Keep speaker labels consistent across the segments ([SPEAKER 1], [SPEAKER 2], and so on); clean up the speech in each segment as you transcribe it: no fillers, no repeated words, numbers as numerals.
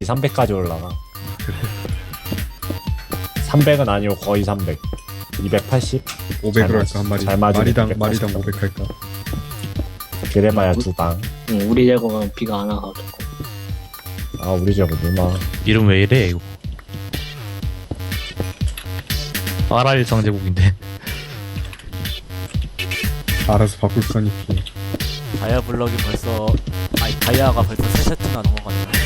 [SPEAKER 1] 300까지 올라가. 300은 아니고 거의 300. 280?
[SPEAKER 2] 500으로 할까 한 마리.
[SPEAKER 1] 잘 맞으면
[SPEAKER 2] 마리당
[SPEAKER 1] 280.
[SPEAKER 2] 500 할까.
[SPEAKER 1] 그래봐야 두 방.
[SPEAKER 3] 응, 우리 제거가 비가 안 와가지고.
[SPEAKER 1] 아 우리 저거 누나.
[SPEAKER 4] 이름 왜 이래 이거. RR 상제국인데.
[SPEAKER 2] 알아서 바꿀 거니까.
[SPEAKER 5] 다이아 블럭이 벌써 아니 다이아가 벌써 3세트나 넘어갔네.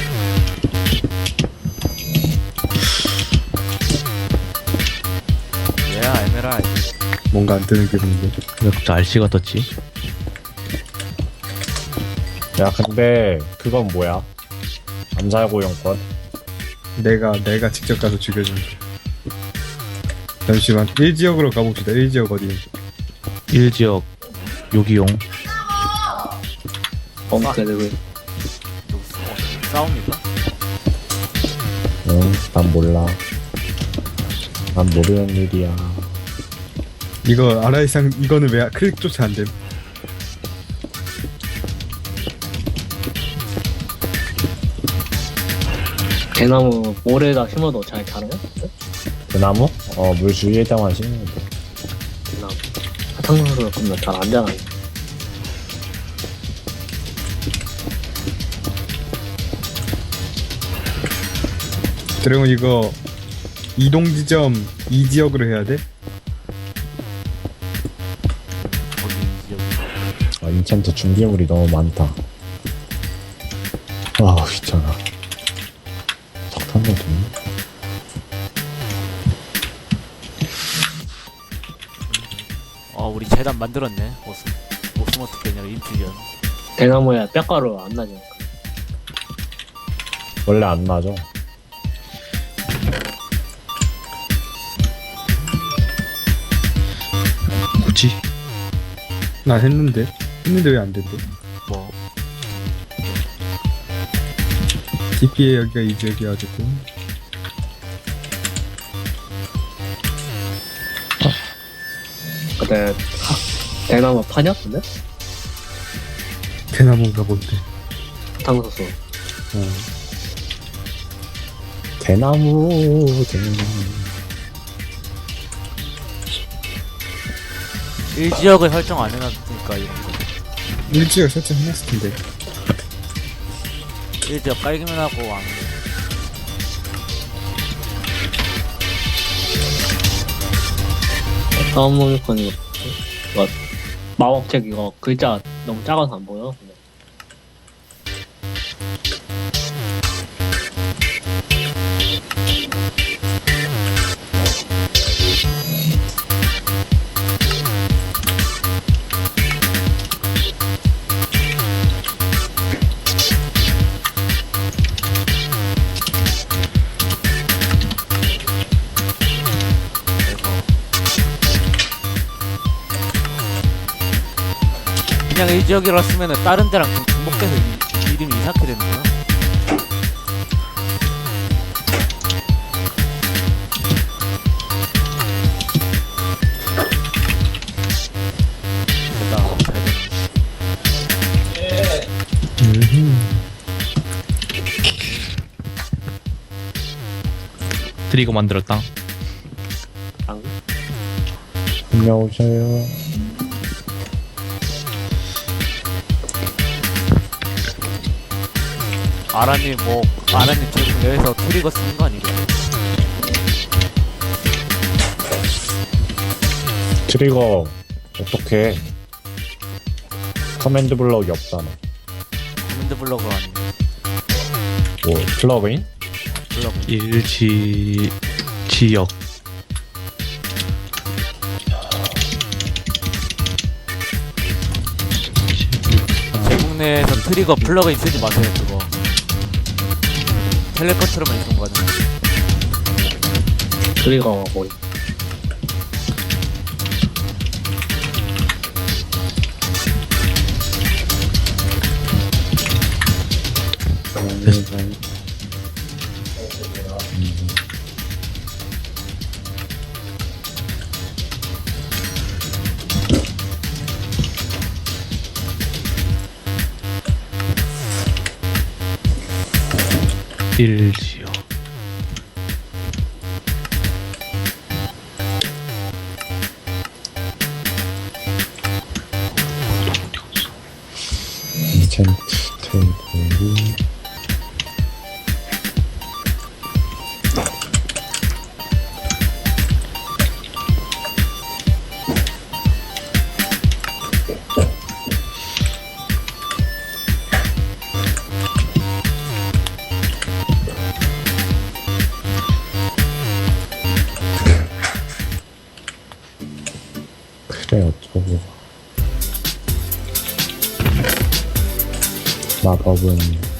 [SPEAKER 5] 얘야 에메랄드.
[SPEAKER 2] 뭔가 안 뜨는 기분인데.
[SPEAKER 4] 왜 갑자기 RC가 떴지?
[SPEAKER 1] 야 근데 그건 뭐야? 암살고용권?
[SPEAKER 2] 내가 직접 가서 죽여준 거. 잠시만 1지역으로 가봅시다. 1지역 어디?
[SPEAKER 4] 1지역 요기용.
[SPEAKER 3] 범죄들을
[SPEAKER 5] 누구 싸웁니까?
[SPEAKER 1] 응, 난 몰라. 난 모르는 일이야.
[SPEAKER 2] 이거 아라이상 이거는 왜 클릭조차 안 됨?
[SPEAKER 3] 대나무 모래에다 심어도 잘 자라요?
[SPEAKER 1] 대나무? 물 주위에다만 심는 거.
[SPEAKER 3] 대나무 사탕수수 그러면 잘 안 자라요.
[SPEAKER 2] 드래곤 이거 이동 지점 2지역으로 해야 돼?
[SPEAKER 5] 거기 여기.
[SPEAKER 1] 아, 인챈트 준비물이 너무 많다. 아우 귀찮아. 석탄도 되네.
[SPEAKER 5] 우리 재단 만들었네. 오스모트 개념 인퓨전.
[SPEAKER 3] 대나무에 뼈가루 안 나죠.
[SPEAKER 1] 원래 안 나죠.
[SPEAKER 4] 굳이?
[SPEAKER 2] 나 했는데 왜 안 된대?
[SPEAKER 5] 뭐
[SPEAKER 2] DP에 여기가 2지역이어가지고
[SPEAKER 3] 근데 대나무 파냐? 근데?
[SPEAKER 2] 대나무가 뭔데?
[SPEAKER 3] 사탕수수.
[SPEAKER 1] 대나무.
[SPEAKER 5] 1지역을 설정 안 해놨으니까 이런 거.
[SPEAKER 2] 1지역 설정해놨을 텐데.
[SPEAKER 5] 1지역 깔기만 하고 왕.
[SPEAKER 3] 다음 모니콘 이거 뭐 마법책 이거 글자 너무 작아서 안 보여. 근데.
[SPEAKER 5] 그냥 1지역이라 쓰면은 다른 데랑 좀 중복돼서 이름이 이상하게 되는 거야. 됐다. 잘 됐네.
[SPEAKER 4] 트리거 만들었다.
[SPEAKER 1] 안녕하세요.
[SPEAKER 5] 아라님 지금 여기서 트리거 쓰는 거 아니에요?
[SPEAKER 1] 트리거 어떻게? 커맨드 블럭이 없잖아.
[SPEAKER 5] 커맨드 블럭을 아니면
[SPEAKER 1] 뭐 플러그인?
[SPEAKER 5] 블럭.
[SPEAKER 4] 1지역.
[SPEAKER 5] 제국 내에서 트리거 플러그인 쓰지 마세요. 그거 텔레포트로만 있는 거는.
[SPEAKER 3] 트리거 뭐
[SPEAKER 4] 1지역.
[SPEAKER 1] 인챈트 테이블이 그래 어쩌고 마법은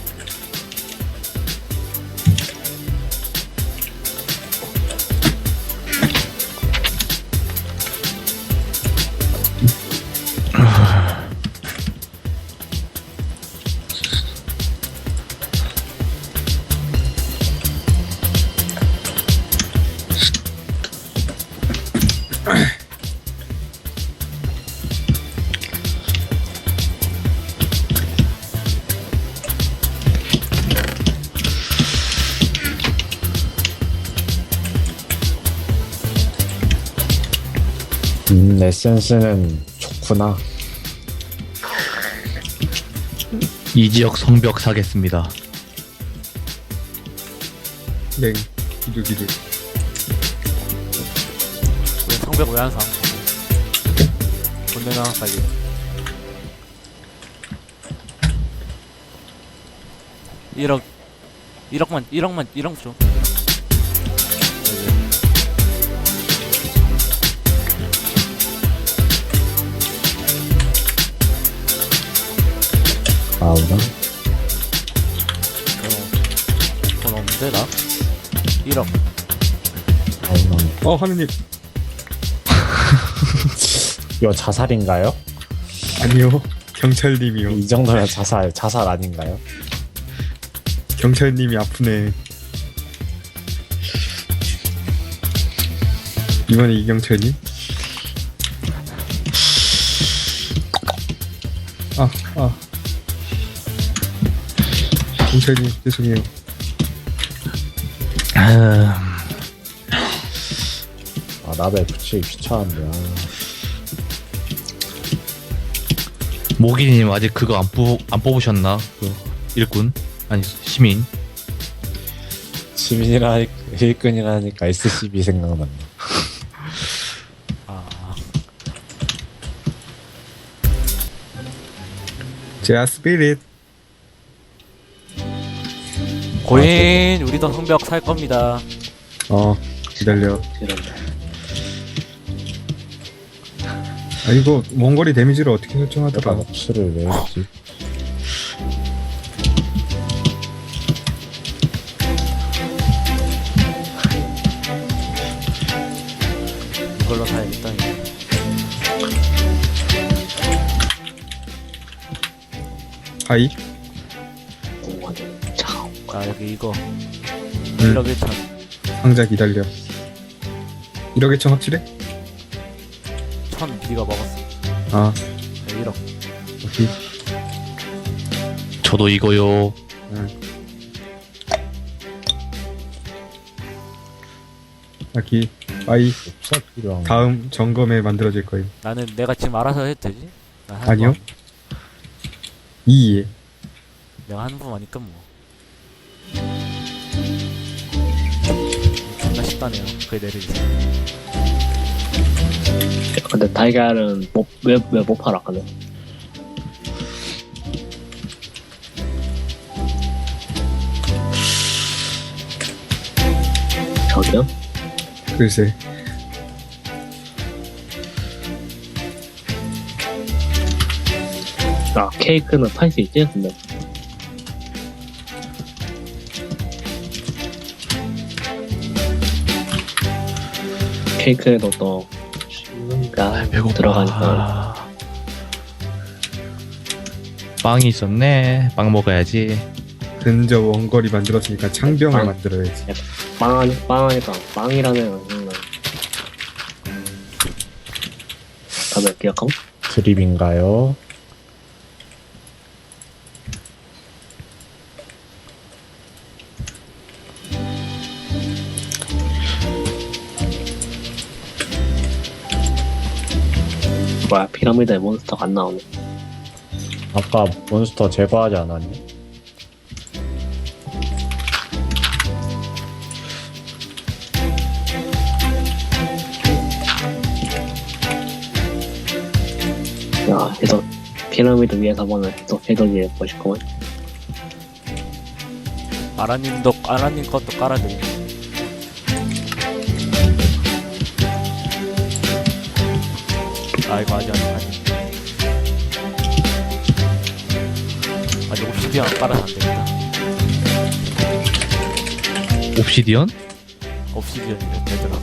[SPEAKER 1] 에센스는 좋구나.
[SPEAKER 4] 2지역 성벽 사겠습니다.
[SPEAKER 2] 네. 기두.
[SPEAKER 5] 우리 성벽 외환상 본내나 빨리. 일억만 줘.
[SPEAKER 1] 아우라
[SPEAKER 5] 돈 없는데 나? 1억.
[SPEAKER 1] 아우라
[SPEAKER 2] 하느님.
[SPEAKER 1] 이거 자살인가요?
[SPEAKER 2] 아니요. 경찰님이요.
[SPEAKER 1] 이 정도면 자살 아닌가요?
[SPEAKER 2] 경찰님이 아프네. 이번에 이경철님? 경찰님 죄송해요.
[SPEAKER 1] 나베 붙이기 귀찮은데.
[SPEAKER 4] 모기님 아직 그거 안 뽑으셨나? 그 일꾼? 아니 시민.
[SPEAKER 1] 시민이라니까 일꾼이라니까 SCB 생각났네.
[SPEAKER 2] 제아 스피릿.
[SPEAKER 5] 고인 우리도 성벽 살 겁니다.
[SPEAKER 2] 기다려.
[SPEAKER 3] 이런다.
[SPEAKER 2] 이거 원거리 데미지를 어떻게
[SPEAKER 1] 내가
[SPEAKER 2] 설정하더라?
[SPEAKER 1] 목수를 왜 했지?
[SPEAKER 5] 이걸로 사야겠다.
[SPEAKER 2] 하이?
[SPEAKER 5] 자 여기 이거
[SPEAKER 2] 응.
[SPEAKER 5] 1억 1천.
[SPEAKER 2] 상자 기다려. 1억 1천 확실해?
[SPEAKER 5] 1000 네가 먹었어.
[SPEAKER 2] 네,
[SPEAKER 5] 1억.
[SPEAKER 2] 오케이.
[SPEAKER 4] 저도 이거요.
[SPEAKER 2] 여기 아이
[SPEAKER 1] 없어 필요한 거.
[SPEAKER 2] 다음 점검에 만들어질 거임.
[SPEAKER 5] 나는 내가 지금 알아서 해도 되지? 나 하는
[SPEAKER 2] 아니요.
[SPEAKER 5] 거.
[SPEAKER 2] 이해.
[SPEAKER 5] 내가 하는 거니까 뭐. 존나 쉽다네요. 그게 내리기.
[SPEAKER 3] 근데 달걀은 왜 못 팔아 근데? 저기요?
[SPEAKER 2] 글쎄.
[SPEAKER 3] 케이크는 팔 수 있지? 근데 케이크에도 또 뭔가 들어가니까.
[SPEAKER 4] 빵이 있었네. 빵 먹어야지.
[SPEAKER 2] 근저 원거리 만들었으니까 창병을
[SPEAKER 3] 빵.
[SPEAKER 2] 만들어야지.
[SPEAKER 3] 빵하니까 빵이라면 다들 기억함?
[SPEAKER 1] 드립인가요?
[SPEAKER 3] 뭐야 피라미드에 몬스터가 안 나오네.
[SPEAKER 1] 아까 몬스터 제거하지 않았니?
[SPEAKER 3] 야 계속 피라미드 위에서 보면 계속 해적이 멋있구만.
[SPEAKER 5] 아라님 것도 깔아드림. 아 이거 아직 옵시디언 깔아서 안 되겠다.
[SPEAKER 4] 옵시디언?
[SPEAKER 5] 옵시디언이면 되더라.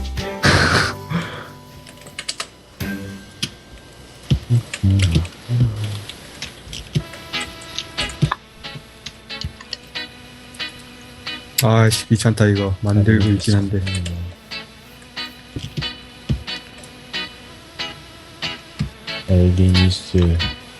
[SPEAKER 2] 아씨 귀찮다 이거 만들고 있긴 한데.
[SPEAKER 1] 엘리니스.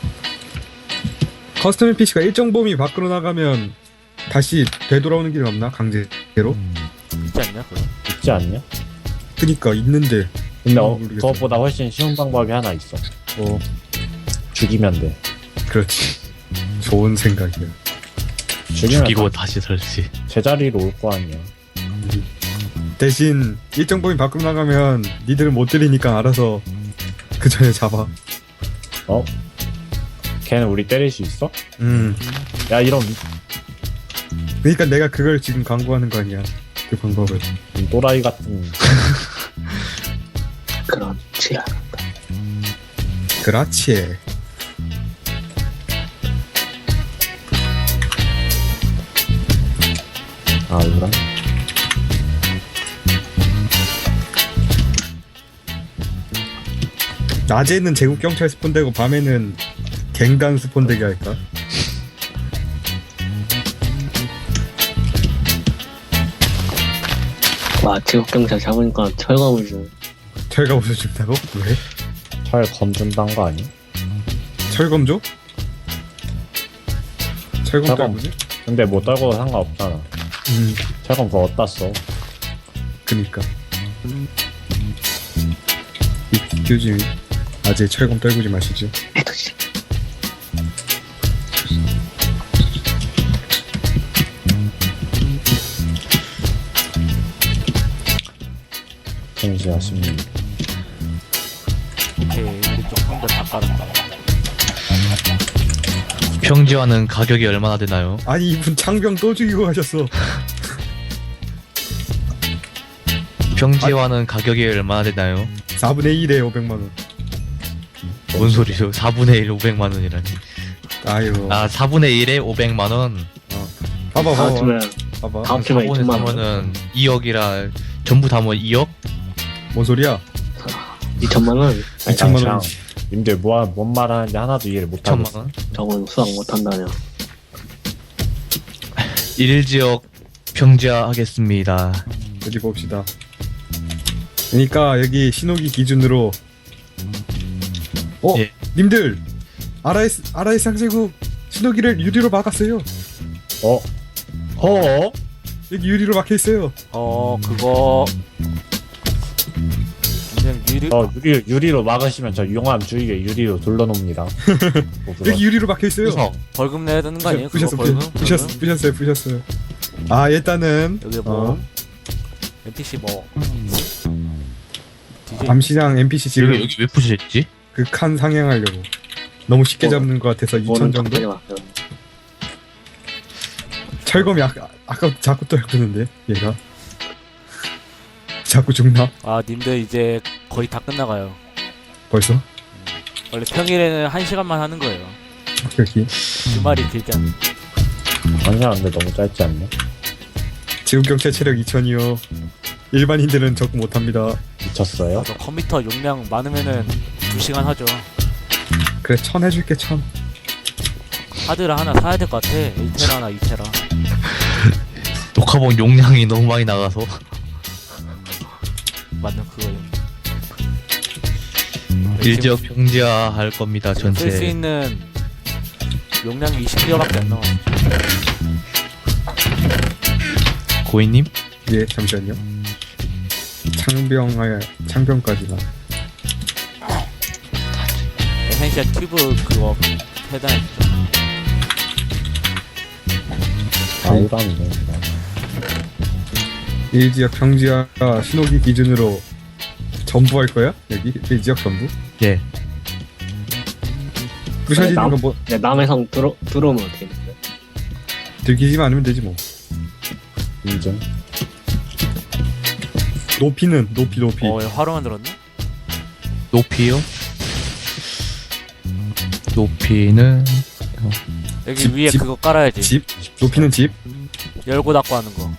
[SPEAKER 2] 커스텀 NPC가 일정 범위 밖으로 나가면 다시 되돌아오는 길은 없나? 강제로?
[SPEAKER 5] 있지 않냐 그거?
[SPEAKER 1] 있지 않냐?
[SPEAKER 2] 그니까 있는데.
[SPEAKER 1] 근데
[SPEAKER 2] 모르겠어.
[SPEAKER 1] 그것보다 훨씬 쉬운 방법이 하나 있어. 죽이면 돼.
[SPEAKER 2] 그렇지. 좋은 생각이야.
[SPEAKER 1] 죽이면
[SPEAKER 4] 죽이고
[SPEAKER 1] 다
[SPEAKER 4] 다시 설치.
[SPEAKER 1] 제자리로 올 거 아니야.
[SPEAKER 2] 대신 일정 범위 밖으로 나가면 니들은 못 때리니까 알아서 그 전에 잡아.
[SPEAKER 1] 어? 걔는 우리 때릴 수 있어?
[SPEAKER 2] 음.
[SPEAKER 1] 야 이런
[SPEAKER 2] 그러니까 내가 그걸 지금 강구하는 거 아니야. 그 방법을.
[SPEAKER 1] 또라이 같은.
[SPEAKER 3] 그렇지.
[SPEAKER 2] 그렇지.
[SPEAKER 1] 아 그래?
[SPEAKER 2] 낮에는 제국 경찰 스폰되고 밤에는 갱단 스폰되게 할까?
[SPEAKER 3] 와 제국경찰 잡으니까 철검을 주.
[SPEAKER 2] 철검 웃어준다고? 왜?
[SPEAKER 1] 철 검준단 거 아니?
[SPEAKER 2] 철검 줘? 철검
[SPEAKER 1] 철검.
[SPEAKER 2] 떨구지?
[SPEAKER 1] 근데 못 떨고 상관없잖아. 철검 그거 어디다 써?
[SPEAKER 2] 그니까. 교주님 아직 철검 떨구지 마시죠.
[SPEAKER 3] 해도지.
[SPEAKER 1] 잠시하십니다.
[SPEAKER 5] 오케이 우리 쪽 상대 다 깔았다.
[SPEAKER 4] 평지화는 가격이 얼마나 되나요?
[SPEAKER 2] 아니 이분 창병 또 죽이고 가셨어.
[SPEAKER 4] 평지화는 가격이 얼마나 되나요?
[SPEAKER 2] 4분의 1에 500만원.
[SPEAKER 4] 뭔 소리죠? 4분의 1 500만 원이라니.
[SPEAKER 2] 아유.
[SPEAKER 4] 아 4분의 1에 500만 원.
[SPEAKER 2] 봐봐
[SPEAKER 3] 다음
[SPEAKER 2] 봐봐
[SPEAKER 3] 주에
[SPEAKER 2] 봐봐.
[SPEAKER 3] 다음 주에
[SPEAKER 4] 4분의
[SPEAKER 3] 2천만 원.
[SPEAKER 4] 3은 2억이라 전부 다 뭐 2억?
[SPEAKER 2] 뭔 소리야?
[SPEAKER 3] 2천만 원.
[SPEAKER 2] 2천만 원.
[SPEAKER 1] 님들 뭔 말하는지 하나도 이해를 못하고
[SPEAKER 4] 2천만 원?
[SPEAKER 3] 저건 수학 못한다냐.
[SPEAKER 4] 1지역 평지화 하겠습니다.
[SPEAKER 2] 어디 봅시다. 그러니까 여기 신호기 기준으로
[SPEAKER 4] 예.
[SPEAKER 2] 님들 아라이 상제국 신호기를 유리로 막았어요.
[SPEAKER 1] 어?
[SPEAKER 2] 여기 유리로 막혀 있어요.
[SPEAKER 5] 그거 그냥
[SPEAKER 1] 유리로 막으시면 저 용암 주위에 유리로 둘러놓습니다. 뭐 그거.
[SPEAKER 2] 여기 유리로 막혀 있어요.
[SPEAKER 4] 우석.
[SPEAKER 5] 벌금 내야 되는 거 아니에요? 그거
[SPEAKER 2] 부셨어요. 아 일단은
[SPEAKER 5] 여기 뭐 NPC 뭐 DJ
[SPEAKER 2] 암시장 NPC 지금
[SPEAKER 4] 여기 왜 푸셨지?
[SPEAKER 2] 그 칸 상향하려고 너무 쉽게 잡는 것 같아서 2천
[SPEAKER 3] 뭐는
[SPEAKER 2] 정도.
[SPEAKER 3] 적당히 왔어요.
[SPEAKER 2] 철검이 아까 자꾸 떨구는데 얘가 자꾸 죽나?
[SPEAKER 5] 아 님들 이제 거의 다 끝나가요.
[SPEAKER 2] 벌써?
[SPEAKER 5] 원래 평일에는 1시간만 하는 거예요.
[SPEAKER 2] 여기
[SPEAKER 5] 주말이 길지 않아.
[SPEAKER 1] 아니야 근데 너무 짧지 않네.
[SPEAKER 2] 지금 경찰 체력 2000이요. 일반인들은 적응 못합니다.
[SPEAKER 1] 미쳤어요?
[SPEAKER 5] 저 컴퓨터 용량 많으면은 2시간 하죠.
[SPEAKER 2] 그래 1000 해줄게 1000.
[SPEAKER 5] 하드를 하나 사야 될 것 같아. 1테라나 2테라.
[SPEAKER 4] 녹화본 용량이 너무 많이 나가서
[SPEAKER 5] 맞는 그거요.
[SPEAKER 4] 1지역 평지화 할 겁니다.
[SPEAKER 5] 쓸 수
[SPEAKER 4] 전체.
[SPEAKER 5] 있는 용량이 20기가밖에 안 나와.
[SPEAKER 4] 고인님?
[SPEAKER 2] 예 잠시만요. 창병까지나.
[SPEAKER 5] 에센셜 튜브 그거 해당했죠.
[SPEAKER 1] 아우라네.
[SPEAKER 2] 이 지역 평지와 신호기 기준으로 전부 할 거야? 여기 이 지역 전부?
[SPEAKER 4] 예.
[SPEAKER 2] 부셔지는
[SPEAKER 3] 남-
[SPEAKER 2] 건 뭐
[SPEAKER 3] 네, 남해성 들어오면 어떻게 돼요?
[SPEAKER 2] 들키지만 않으면 되지 뭐.
[SPEAKER 1] 인정.
[SPEAKER 2] 높이.
[SPEAKER 5] 화로 만들었네?
[SPEAKER 4] 높이요? 높이는
[SPEAKER 5] 여기
[SPEAKER 2] 집,
[SPEAKER 5] 위에
[SPEAKER 2] 집,
[SPEAKER 5] 그거 깔아야지.
[SPEAKER 2] 집. 높이는 집.
[SPEAKER 5] 열고 닫고 하는 거.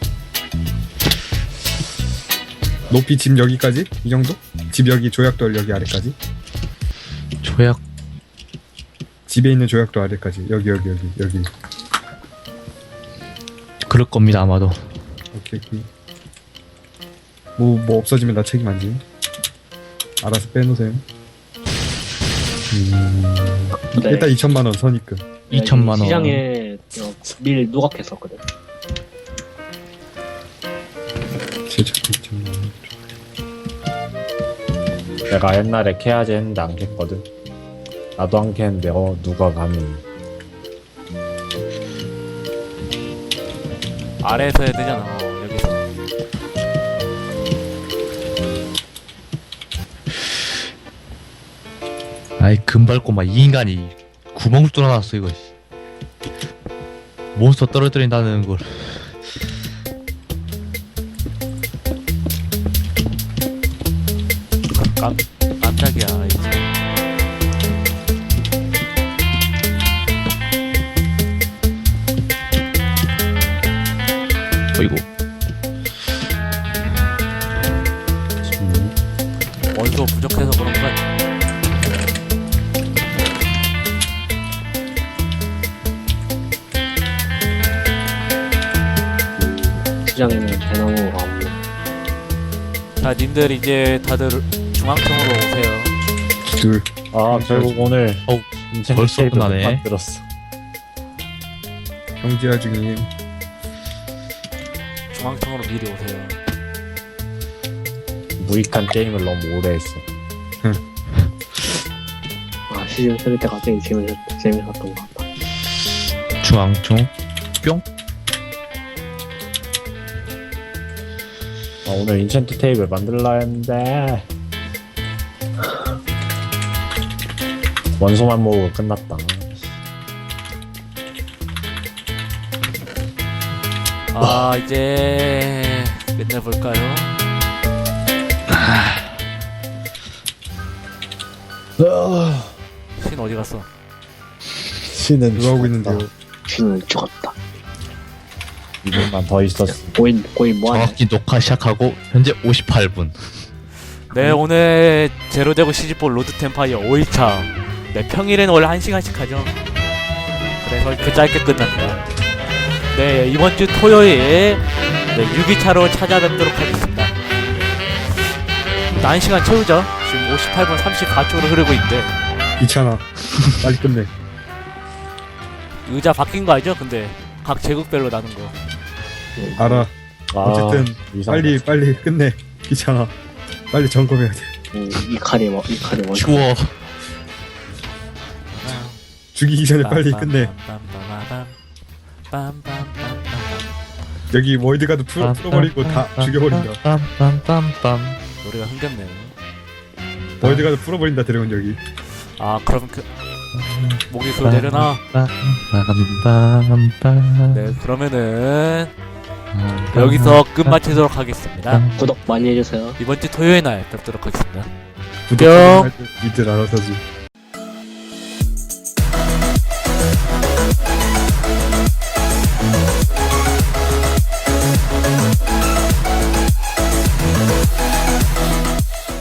[SPEAKER 2] 높이 집 여기까지? 이 정도? 집 여기 조약돌 여기 아래까지?
[SPEAKER 4] 조약
[SPEAKER 2] 집에 있는 조약돌 아래까지. 여기.
[SPEAKER 4] 그럴 겁니다 아마도.
[SPEAKER 2] 오케이. 뭐 없어지면 나 책임 안 지. 알아서 빼놓으세요.
[SPEAKER 3] 네.
[SPEAKER 2] 일단 2천만 원 선입금.
[SPEAKER 4] 2천만 원.
[SPEAKER 3] 시장에 밀 누각했었거든.
[SPEAKER 2] 제작 2천만 원.
[SPEAKER 1] 내가 옛날에 캐야지 했는데 안 캤거든. 나도 안 캤는데 누가 감히.
[SPEAKER 5] 아래에서 해야 되잖아. 여기서.
[SPEAKER 4] 아이 금밟고 막 이 인간이 구멍을 뚫어놨어 이거. 몬스터 떨어뜨린다는 걸.
[SPEAKER 5] 깜짝이야. 이제.
[SPEAKER 4] 어이구.
[SPEAKER 5] 원소 부족해서 그런 거 같아.
[SPEAKER 3] 시장에는 대나무가 없네.
[SPEAKER 5] 자, 님들 이제 다들 중앙청으로 오세요.
[SPEAKER 2] 둘.
[SPEAKER 1] 아 결국 오늘
[SPEAKER 4] 어우,
[SPEAKER 1] 인챈트
[SPEAKER 4] 벌써
[SPEAKER 1] 테이블 못
[SPEAKER 4] 끝나네.
[SPEAKER 1] 만들었어.
[SPEAKER 2] 경지화 중임.
[SPEAKER 5] 중앙청으로 미리 오세요.
[SPEAKER 1] 무익한 게임을 너무 오래 했어.
[SPEAKER 3] 아 시즌 3 때 갑자기 재밌었던 것 같다.
[SPEAKER 4] 중앙총 뿅.
[SPEAKER 1] 아, 오늘 인챈트 테이블 만들라 했는데 원소만 모으고 끝났다.
[SPEAKER 5] 이제 끝내볼까요? 신 어디 갔어?
[SPEAKER 1] 신은
[SPEAKER 2] 누가 하고 있는데요?
[SPEAKER 3] 신은 죽었다.
[SPEAKER 1] 2분만 더 있었어.
[SPEAKER 3] 거의 뭐하냐?
[SPEAKER 4] 정확히 녹화 시작하고 현재 58분.
[SPEAKER 5] 네, 오늘 제로데고 시즈볼 로드 템파이어 5일차. 네, 평일에는 원래 1시간씩 하죠. 그래서 이렇게 짧게 끝납니다. 네, 이번 주 토요일 네, 6일차로 찾아뵙도록 하겠습니다. 1시간 채우죠. 지금 58분 34초로 흐르고 있는데
[SPEAKER 2] 이찬아. 빨리 끝내.
[SPEAKER 5] 의자 바뀐 거 알죠? 근데 각 제국별로 나눈 거.
[SPEAKER 2] 알아. 어쨌든
[SPEAKER 1] 이상하다.
[SPEAKER 2] 빨리 끝내. 귀찮아. 빨리 점검해야 돼.
[SPEAKER 3] 이 칼이 뭐
[SPEAKER 4] 추워.
[SPEAKER 2] 죽이기 전에 빨리 끝내. 여기 월드가드 풀어버리고 다 죽여버린다.
[SPEAKER 4] 빰빰빰빰.
[SPEAKER 5] 노래가 흥겹네요.
[SPEAKER 2] 월드가드 풀어버린다 드래곤 여기.
[SPEAKER 5] 아, 그럼 그 목이 그 내려놔.
[SPEAKER 4] 빰빰빰빰.
[SPEAKER 5] 네, 그러면은 여기서 끝마치도록 하겠습니다.
[SPEAKER 3] 구독 많이 해주세요.
[SPEAKER 5] 이번 주 토요일 날 뵙도록 하겠습니다.
[SPEAKER 2] 구독 좀 할 때 니들 알아서지.